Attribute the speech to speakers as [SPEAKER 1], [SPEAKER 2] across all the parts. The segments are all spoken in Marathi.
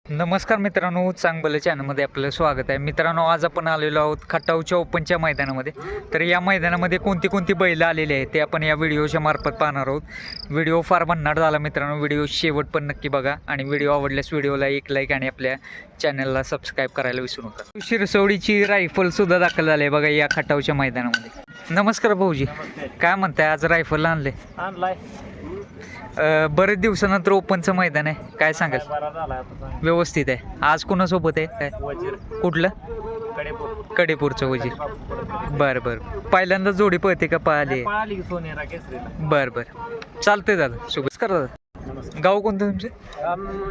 [SPEAKER 1] नमस्कार मित्रांनो, चांगलं चॅनलमध्ये आपलं स्वागत आहे. मित्रांनो, आज आपण आलेलो आहोत खटावच्या ओपनच्या मैदानामध्ये. तर या मैदानामध्ये कोणती कोणती बैलं आलेली आहेत ते आपण या व्हिडिओच्या मार्फत पाहणार आहोत. व्हिडिओ फार भन्नाट झाला मित्रांनो, व्हिडिओ शेवट पण नक्की बघा आणि व्हिडिओ आवडल्यास व्हिडिओला एक लाईक आणि आपल्या चॅनलला सबस्क्राईब करायला विसरू नका. शिरसवडीची रायफलसुद्धा दाखल झाली आहे बघा या खटावच्या मैदानामध्ये. नमस्कार भाऊजी, काय म्हणताय? आज रायफल आणलाय? बरेच दिवसानंतर ओपनचं मैदान आहे, काय सांगाल? व्यवस्थित आहे. आज कुणासोबत आहे? काय कुठलं? कडेपूरचं वजीर. बरं बरं, पहिल्यांदा जोडी पळते का? पाहिली. बरं बरं, चालतंय दादा. शुभेच्छा करा दादा. गाव कोणतं तुमचं?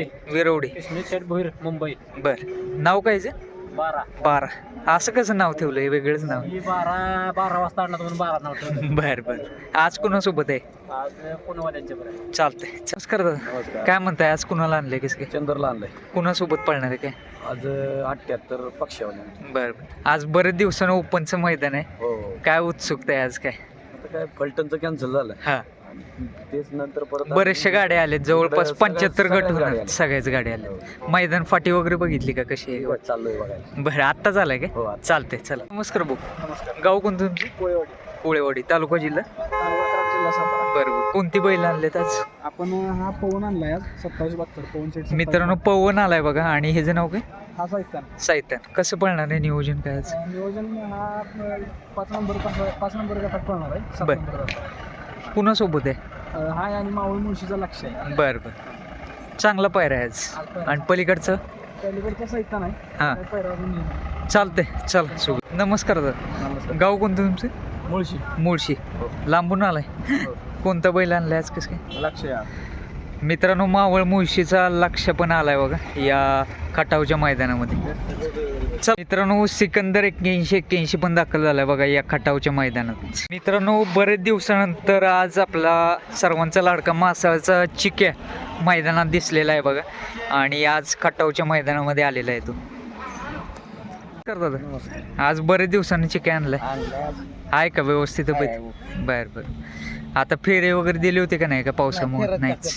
[SPEAKER 1] विरवडे
[SPEAKER 2] मुंबई.
[SPEAKER 1] बरं, नाव काय? 12. असं कसं नाव ठेवलंय? वेगळंच नाव.
[SPEAKER 2] 12 वाजता आणला म्हणून 12 नाव ठेवलं.
[SPEAKER 1] बरं बरं, आज कुणासोबत आहे?
[SPEAKER 2] आज पुणेवाल्यांच्या बरं.
[SPEAKER 1] चालतंय. नमस्कार दादा, काय म्हणताय? आज कुणाला आणलंय? कसं काय?
[SPEAKER 2] चंद्रला आणलाय.
[SPEAKER 1] कुणासोबत पळणार आहे? काय
[SPEAKER 2] आज 78 पक्षावाल्या.
[SPEAKER 1] बरं बरं, आज बरेच दिवसानं ओपनचं मैदान आहे,
[SPEAKER 2] हो.
[SPEAKER 1] काय उत्सुकता आहे आज? काय
[SPEAKER 2] आता काय फलटणचं कॅन्सल झालं.
[SPEAKER 1] हा,
[SPEAKER 2] तेच नंतर परत
[SPEAKER 1] बरेचशा गाड्या आल्यात, जवळपास 75 गट
[SPEAKER 2] सगळ्याच गाड्या
[SPEAKER 1] होणार.
[SPEAKER 2] आल्या.
[SPEAKER 1] सगळ्याच गाड्या आल्या. मैदान फाटी वगैरे बघितली का? कशी आहे?
[SPEAKER 2] चाललोय बघायला.
[SPEAKER 1] बरं, आत्ता झालाय काय?
[SPEAKER 2] हो, आता.
[SPEAKER 1] चालतंय, चला. नमस्कार भाऊ,
[SPEAKER 2] नमस्कार.
[SPEAKER 1] गाव कोणतं तुमचं?
[SPEAKER 2] कोळेवाडी.
[SPEAKER 1] कोळेवाडी, तालुका जिल्हा.
[SPEAKER 2] जिल्हा सातारा.
[SPEAKER 1] बरं बरं, कोणती बैल आणलेत आज?
[SPEAKER 2] आपण हा पवन आणलाय आज 27-72 पवन सेट.
[SPEAKER 1] मित्रांनो, पवन आलाय बघा. आणि ह्याचं नाव काय?
[SPEAKER 2] हा साहित्यान.
[SPEAKER 1] साहित्यान. कसं पळणार आहे? नियोजन काय आज?
[SPEAKER 2] नियोजन हा 5 नंबर गटात पळणार आहे. 7
[SPEAKER 1] बरं.
[SPEAKER 2] नंबर गटात.
[SPEAKER 1] कुणासोबत आहे?
[SPEAKER 2] हा आणि मावळ मुळशीचा लक्ष आहे.
[SPEAKER 1] बरं बरं, चांगला पायरा आहे आज. आणि पलीकडचं?
[SPEAKER 2] पलीकडचा साहित्य नाही.
[SPEAKER 1] हां,
[SPEAKER 2] पैरा अजून नाही.
[SPEAKER 1] चालतंय, चला. शुभ. नमस्कार दादा,
[SPEAKER 2] नमस्कार.
[SPEAKER 1] गाव कोणतं तुमचं?
[SPEAKER 2] मुळशी.
[SPEAKER 1] मुळशी. लांबून आलाय. कोणता बैल आणलाय आज? कसं काय?
[SPEAKER 2] लक्ष या.
[SPEAKER 1] मित्रांनो, मावळ मुळशीचा लक्ष पण आलाय बघा या खटावच्या मैदानामध्ये. मित्रांनो, सिकंदर 81 पण दाखल झालाय बघा या खटावच्या मैदानात. मित्रांनो, बरेच दिवसानंतर आज आपला सर्वांचा लाडका मासाळचा चिक्या मैदानात दिसलेला आहे बघा. आणि आज खटावच्या मैदानामध्ये आलेला आहे तो. कर दादा, आज बरेच दिवसांनी चिक्या आणलाय, आहे का व्यवस्थित? बरं बरं. आता फेरे वगैरे दिले होते का नाही? का पावसामुळे नाहीच?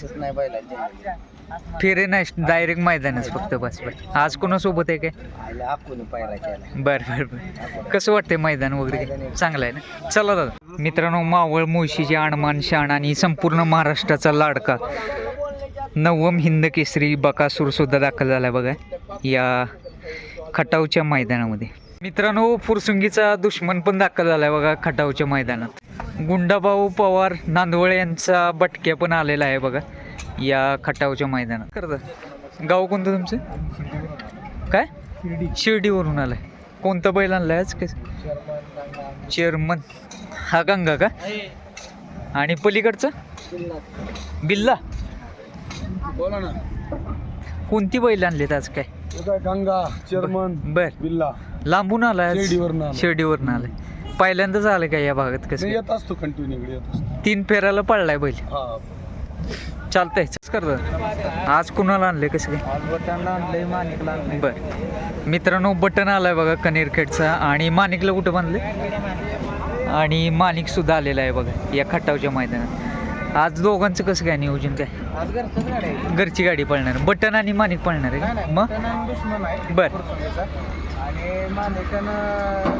[SPEAKER 1] फेरे नाही, डायरेक्ट मैदानच फक्त. बस बरं. आज कोणासोबत आहे काय? बरं बरं बरं, कसं वाटतंय मैदान वगैरे? चांगलं आहे ना? चला दादा. मित्रांनो, मावळ मुळशीचे आणमान शाण आणि संपूर्ण महाराष्ट्राचा लाडका नवम हिंद केसरी बकासूर सुद्धा दाखल झाला बघा या खटावच्या मैदानामध्ये. मित्रांनो, फुरसुंगीचा दुश्मन पण दाखल झालाय बघा खटावच्या मैदानात. गुंडाभाऊ पवार नांदवळे यांचा बटक्या पण आलेला आहे बघा या खटावच्या मैदानात. करता, गाव कोणतं तुमचं? काय? शिर्डीवरून आलाय. कोणतं बैल आणलाय आज? कसं? चेअरमन. हा गंगा का? आणि पलीकडचं बिल्ला.
[SPEAKER 2] बोला ना.
[SPEAKER 1] कोणती बैल आणलीत आज? काय?
[SPEAKER 2] गंगा, चेअरमन,
[SPEAKER 1] बर.
[SPEAKER 2] बिल्ला.
[SPEAKER 1] लांबून आलाय?
[SPEAKER 2] शिर्डीवरून.
[SPEAKER 1] शिर्डीवरून आलाय. पहिल्यांदाच आलं का या भागात? कसं
[SPEAKER 2] येत असतो कंटिन्यू येत असतो.
[SPEAKER 1] 3 फेराला पडलाय बैल.
[SPEAKER 2] हा,
[SPEAKER 1] चालतंय. करत आज कुणाला आणलंय? कसं काय?
[SPEAKER 2] आज बटनला आणलंय, माणिकला आणलंय.
[SPEAKER 1] बरं. मित्रांनो, बटन आलाय बघा कनेरखेडचा. आणि माणिकला कुठं बांधलंय? आणि माणिक सुद्धा आलेला आहे बघा या खटावच्या मैदानात. आज दोघांचं कसं काय नियोजन? काय
[SPEAKER 2] आज घरचंच गाडी आहे.
[SPEAKER 1] घरची गाडी पळणार? बटन आणि माणिक पळणार आहे मग?
[SPEAKER 2] दुश्मन आहे.
[SPEAKER 1] बरं.
[SPEAKER 2] आणि माणिकानं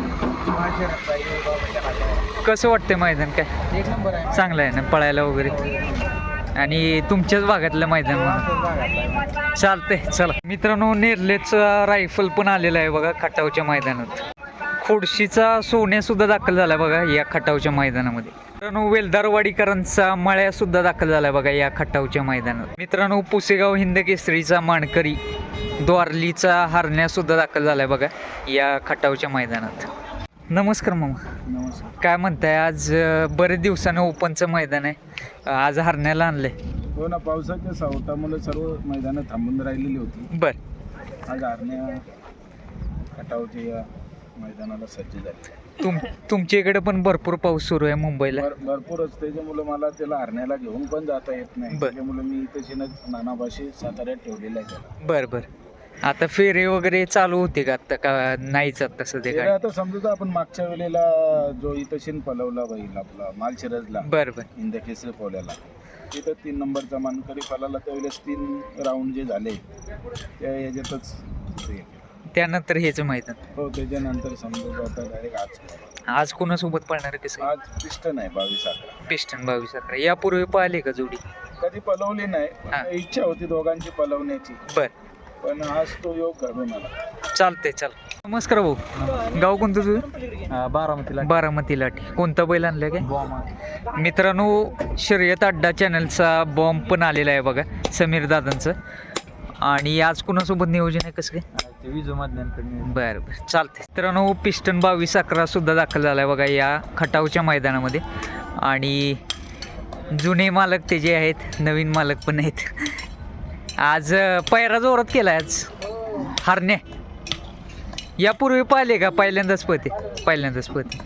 [SPEAKER 1] कसं वाटतंय मैदान? काय
[SPEAKER 2] 1 नंबर आहे.
[SPEAKER 1] चांगलं आहे ना पळायला वगैरे? आणि तुमच्याच भागातलं मैदान म्हणून चालतंय. चला मित्रांनो, नेरलेचा रायफल पण आलेला आहे बघा खटावच्या मैदानात. खोडशीचा सोन्या सुद्धा दाखल झाला बघा या खटावच्या मैदानामध्ये. मित्रांनो, वेलदारवाडीकरांचा मळ्या सुद्धा दाखल झाला बघा या खटावच्या मैदानात. मित्रांनो, पुसेगाव हिंद केसरीचा मानकरी द्वारलीचा हरण्या सुद्धा दाखल झालाय बघा या खटावच्या मैदानात. नमस्कार मामा,
[SPEAKER 2] नमस्कार.
[SPEAKER 1] काय म्हणताय? आज बरेच दिवसानं ओपनचं मैदान आहे, आज हरण्याला आणलंय.
[SPEAKER 2] हो ना, पावसाच्या सावटामुळे सर्व मैदानं थांबून राहिलेली होती.
[SPEAKER 1] बरं.
[SPEAKER 2] आज हरण्या खटावच्या या मैदानाला सज्ज झाले.
[SPEAKER 1] तुमच्या इकडे पण भरपूर पाऊस सुरू आहे मुंबईला?
[SPEAKER 2] भरपूरच. त्याच्यामुळे मला त्याला हरण्याला घेऊन पण जाता येत नाही.
[SPEAKER 1] बरं.
[SPEAKER 2] त्याच्यामुळे मी तशी नानाभाशी साताऱ्यात ठेवलेला आहे त्याला.
[SPEAKER 1] बरं बरं. आता फेरे वगैरे चालू होते का आता? का नाहीच आता सध्या? काय
[SPEAKER 2] आता समजा आपण मागच्या वेळेला जो इथं शिन पलवला बैल आपला मालशिरजला
[SPEAKER 1] बरं बरं.
[SPEAKER 2] इंदकेसरी पोल्याला, तिथं 3 नंबरचा मानकरी पळाला त्यावेळेस 3 राऊंड जे झाले त्या ह्याच्यातच ते.
[SPEAKER 1] त्यानंतर हेच मैदान.
[SPEAKER 2] हो त्याच्यानंतर समजा आता डायरेक्ट
[SPEAKER 1] आज कोणासोबत पळणार आहे कसं?
[SPEAKER 2] आज पिस्टन आहे 22-11.
[SPEAKER 1] पिस्टन 22-11. यापूर्वी पाहिले का जोडी?
[SPEAKER 2] कधी पलवली नाही
[SPEAKER 1] हा.
[SPEAKER 2] पण इच्छा होती दोघांची पलवण्याची,
[SPEAKER 1] बर,
[SPEAKER 2] पण आज तो योग घडून आला.
[SPEAKER 1] चालते चाल. नमस्कार भाऊ, गाव कोणतं तुझं?
[SPEAKER 2] बारामतीला
[SPEAKER 1] बारामती लाठी. कोणता बैल आणलं काय? मित्रांनो, शर्यत अड्डा चॅनलचा बॉम्ब पण आलेला आहे बघा, समीर दादांचं. आणि आज कोणासोबत नियोजन आहे कसं काय?
[SPEAKER 2] विजूमधल्यांकडून.
[SPEAKER 1] बरं बरं, चालते. मित्रांनो, पिस्टन 22-11 सुद्धा दाखल झाला आहे बघा या खटावच्या मैदानामध्ये. आणि जुने मालक ते जे आहेत, नवीन मालक पण आहेत. आज पैरा जोरात केला आज हारणे. यापूर्वी पाहिले का? पहिल्यांदाच पळते. पहिल्यांदाच पळते.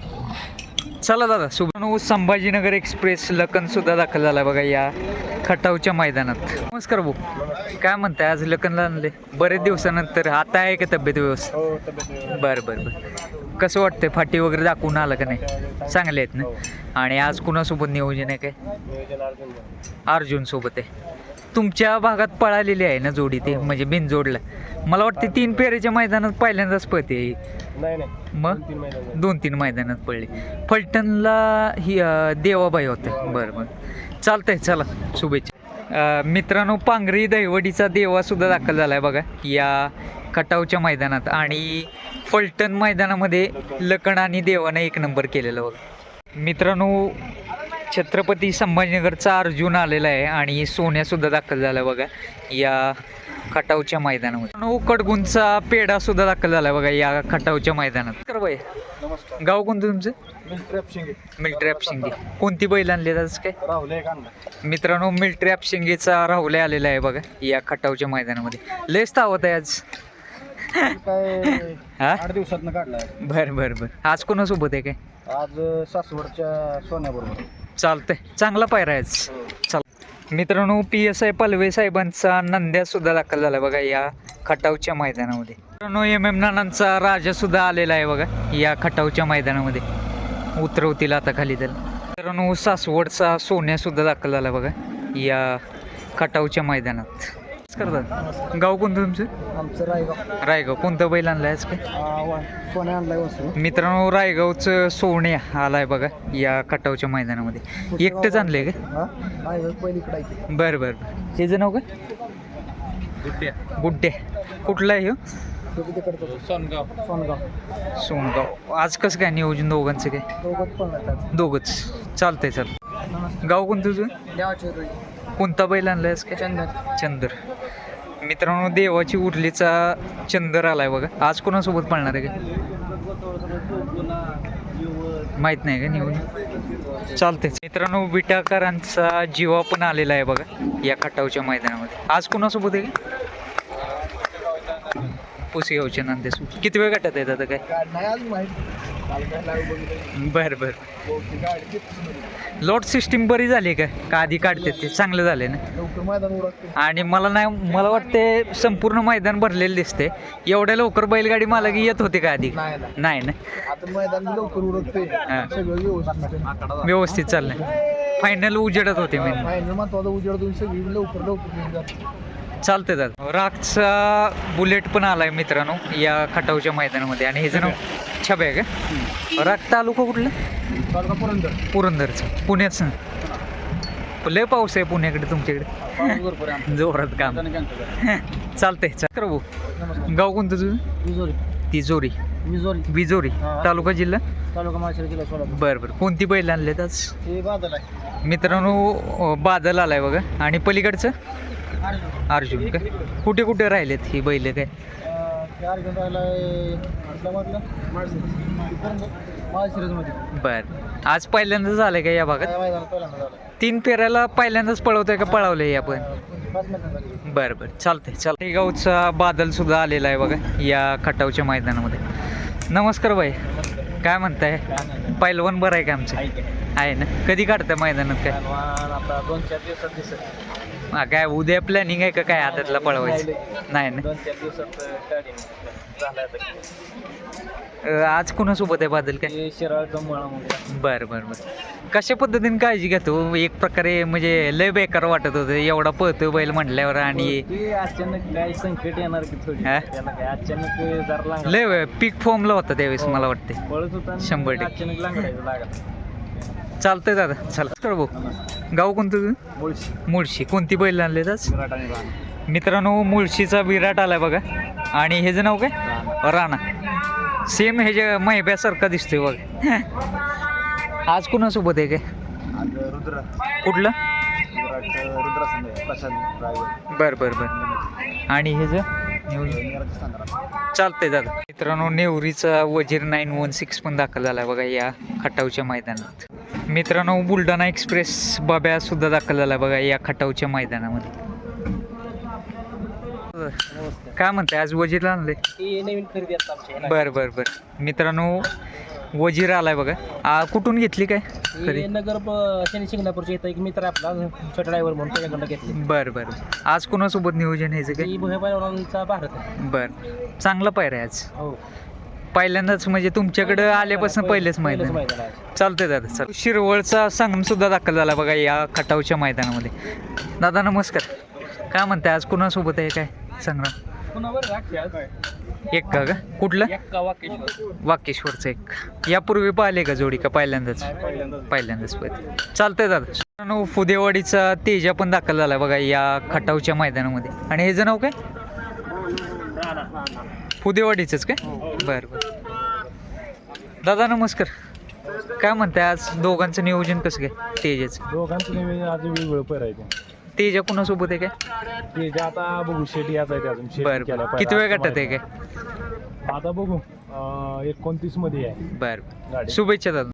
[SPEAKER 1] चला दादा, सुभानो संभाजीनगर एक्सप्रेस लखन सुद्धा दाखल झाला बघा या खटावच्या मैदानात. नमस्कार भाऊ, काय म्हणताय? आज लखनला आणले बरेच दिवसानंतर. आता आहे का तब्येत व्यवस्थित?
[SPEAKER 2] हो तब्येत.
[SPEAKER 1] बरं बरं बरं. कसं वाटतंय? फाटी वगैरे दाखवून आलं का नाही? चांगले आहेत ना? आणि आज कुणासोबत नियोजन आहे काय? अर्जुन सोबत आहे. तुमच्या भागात पळालेली आहे ना जोडी ते, म्हणजे बिनजोडला. मला वाटते 3 फेऱ्याच्या मैदानात पहिल्यांदाच पळते.
[SPEAKER 2] नाही
[SPEAKER 1] मग 2-3 मैदानात पडले. फलटणला ही देवाबाई होते. बरं बरं, चालतंय. चला, शुभेच्छा. मित्रांनो, पांगरी दहिवडीचा देवा सुद्धा दाखल झाला आहे बघा या खटावच्या मैदानात. आणि फलटण मैदानामध्ये लखन आणि देवाने 1 नंबर केलेला बघा. मित्रांनो, छत्रपती संभाजीनगरचा अर्जुन आलेला आहे आणि सोन्यासुद्धा दाखल झाला बघा या खटावच्या मैदानामध्ये. कडगुंचा पेढा सुद्धा दाखल झाला बघा या खटावच्या मैदानात. कर बाई,
[SPEAKER 2] नमस्कार.
[SPEAKER 1] गाव कोणतं तुमचं?
[SPEAKER 2] मिल्ट्री
[SPEAKER 1] मिल्ट्री शिंगे. कोणती बैल आणली आज काय?
[SPEAKER 2] राहुल एक आणला.
[SPEAKER 1] मित्रांनो, मिल्ट्री शिंगेचा राहुल आलेला आहे बघा या खटावच्या मैदानामध्ये. लयच तावत आहे आज.
[SPEAKER 2] काय
[SPEAKER 1] हा,
[SPEAKER 2] 8 दिवसातनं काढलाय.
[SPEAKER 1] बरं बरं बरं. आज कोणासोबत आहे काय?
[SPEAKER 2] आज सासवडच्या सोन्याबरोबर.
[SPEAKER 1] चालतंय, चांगला पायरा आहे आज. चाल. मित्रांनो, PSI पलवे साहेबांचा नंद्या सुद्धा दाखल झाला बघा या खटावच्या मैदानामध्ये. मित्रांनो, MM नानांचा राजा सुद्धा आलेला आहे बघा या खटावच्या मैदानामध्ये. उतरवतील आता खाली त्याला. मित्रांनो, सासवडचा सोन्या सुद्धा दाखल झाला बघा या खटावच्या मैदानात. करतात. गाव कोणतं तुमचं?
[SPEAKER 2] आमचं रायगाव.
[SPEAKER 1] रायगाव. कोणतं बैल आणलाय आज काय?
[SPEAKER 2] सोन्या आणलाय वस्तू.
[SPEAKER 1] मित्रांनो, रायगावचं सोन्या आलाय बघा या खटावच्या मैदानामध्ये. एकटंच आणलंय का?
[SPEAKER 2] पहिलीकडे
[SPEAKER 1] बरं बरं बरं. त्याचं नाव काय? गुड्डे. कुठला आहे ह्यो?
[SPEAKER 2] सोनगाव.
[SPEAKER 1] सोनगाव. आज कसं काय नियोजन दोघांचं काय? दोघंच. चालतंय. चाल. गाव कोणतं तुझं? कोणता बैल आणलाय आज काय? चंदर. मित्रांनो, देवाची उरलीचा चंदर आलाय बघा. आज कोणासोबत पळणार आहे का माहित नाही का नियोजन? चालतंय. मित्रांनो, विटाकरांचा जीवा पण आलेला आहे बघा या खटावच्या मैदानामध्ये. आज कोणासोबत आहे का? पुसेगावच्या नांदेसोबत. किती वेळ गटात आहेत आता काय? बरं बरं. लॉट सिस्टीम बरी झाली का आधी काढते ते? चांगलं झाले ना. आणि मला वाटते संपूर्ण मैदान भरलेलं दिसते. एवढ्या लवकर बैलगाडी मला येत होते का आधी? नाही ना. व्यवस्थित चाललंय. फायनल उजेडत होते मी. चालतंय दादा. रागचा बुलेट पण आलाय मित्रांनो या खटावच्या मैदानामध्ये. आणि हे जण छबे आहे का? राग तालुका कुठला? पुरंदरचं. पुण्याचं. लय पाऊस आहे पुण्याकडे तुमच्याकडे? जोरात काम. चालतंय. चक्र भाऊ, गाव कोणतं तुझं? तिजोरी. विजोरी. तालुका जिल्हा? बरं बरं. कोणती बैल आणलेत आज? मित्रांनो, बादल आलाय बघा. आणि पलीकडचं अर्जुन. का कुठे कुठे राहिलेत ही बैल काय? बर. आज पहिल्यांदाच झालंय का या भागात? 3 फेऱ्याला पहिल्यांदाच पळवतोय का पळवलंय आपण? बरं बरं. चालतंय. चालतंय. गावचा बादल सुद्धा आलेला आहे बघा या खटावच्या मैदानामध्ये. नमस्कार बाई, काय म्हणताय? पहिलवान बरं आहे का आमचं? आहे ना. कधी काढताय मैदानात काय?
[SPEAKER 2] 2-4 दिवसात दिसत.
[SPEAKER 1] काय उद्या प्लॅनिंग आहे का काय आदतला पळवायचं नाही ना
[SPEAKER 2] 2-4 दिवसात गाडी झाला
[SPEAKER 1] आज कोणासोबत आहे बादल काय
[SPEAKER 2] शिराळचा मुळा
[SPEAKER 1] बरं बरं बरं कशा पद्धतीने काळजी घेतो एक प्रकारे म्हणजे लय बेकार वाटत होतं एवढा पळतो बैल म्हटल्यावर आणि
[SPEAKER 2] ते अचानक काय संकट येणार की थोडी
[SPEAKER 1] हा?
[SPEAKER 2] त्याला काय अचानक जरा लागला
[SPEAKER 1] लय पीक फॉर्मला होता त्यावेळेस मला वाटते
[SPEAKER 2] पळत होता आणि
[SPEAKER 1] 100%.
[SPEAKER 2] अचानक लागला लागला
[SPEAKER 1] चालतंय दादा चला कर भाऊ गाव कोणतं तुझं?
[SPEAKER 2] मुळशी
[SPEAKER 1] मुळशी कोणती बैल आणले आज
[SPEAKER 2] विराट आणि राणा
[SPEAKER 1] मित्रांनो मुळशीचा विराट आलाय बघा आणि ह्याचं नाव काय राणा सेम ह्याच्या महिब्यासारखा दिसतोय बघ आज कोणासोबत आहे काय
[SPEAKER 2] आज रुद्र
[SPEAKER 1] कुठलं
[SPEAKER 2] विराट रुद्र संघ प्रशांत ड्रायव्हर
[SPEAKER 1] बरं बरं बरं आणि ह्याचं चालतंय दादा मित्रांनो नेवरीचा वजीर 916 पण दाखल झाला बघा या खटावच्या मैदानात मित्रांनो बुलढाणा एक्सप्रेस बाब्या सुद्धा दाखल झाला बघा या खटावच्या मैदानामध्ये काय म्हणताय आज वजीर आणले
[SPEAKER 2] नवीन खरेदी असतात आमच्या
[SPEAKER 1] बरं बरं बरं मित्रांनो वजीर आलाय बघा कुठून घेतली काय खरी
[SPEAKER 2] नगर शनी शिंगणापूरचे इथं एक मित्र आहे आपला छोटा ड्रायव्हर म्हणून त्याच्याकडनं घेतली
[SPEAKER 1] बरं बरं आज कोणासोबत नियोजन ह्याचं काय
[SPEAKER 2] ही भुयाबाईचा भारत आहे
[SPEAKER 1] बरं चांगला पायरा आहे आज
[SPEAKER 2] हो
[SPEAKER 1] पहिल्यांदाच म्हणजे तुमच्याकडं आल्यापासून पहिलेच मैदान
[SPEAKER 2] मैदान आहे
[SPEAKER 1] चालतंय दादा चल शिरवळचा संगम सुद्धा दाखल झाला बघा या खटावच्या मैदानामध्ये दादा नमस्कार काय म्हणताय आज कोणासोबत आहे काय संग्राम
[SPEAKER 2] कुणावर राख
[SPEAKER 1] एक का कुठलं
[SPEAKER 2] एक्का वाकेश्वर
[SPEAKER 1] वाकेश्वरचं एक यापूर्वी पाहिले का जोडी का पहिल्यांदाच पहिल्यांदाच पाहिजे चालतंय दादा मित्रांनो, फुदेवाडीचा तेजा पण दाखल झाला बघा या खटावच्या मैदानामध्ये आणि ह्याचं नाव काय फुदेवाडीचंच काय बरं बरं दादा नमस्कार काय म्हणताय आज दोघांचं नियोजन कसं काय तेजाचं
[SPEAKER 2] दोघांचं नवीन आज वेगवेगळं पैरायचं
[SPEAKER 1] तेजा कोणासोबत आहे काय
[SPEAKER 2] ते जे आता बघू शेटी याचा आहे ते अजून शेटी
[SPEAKER 1] बरं
[SPEAKER 2] केलाय
[SPEAKER 1] बरं
[SPEAKER 2] पहिला.
[SPEAKER 1] किती वेळ गटात आहे काय
[SPEAKER 2] आता बघू 29 मध्ये आहे
[SPEAKER 1] बरं
[SPEAKER 2] गाडी
[SPEAKER 1] शुभेच्छा दादा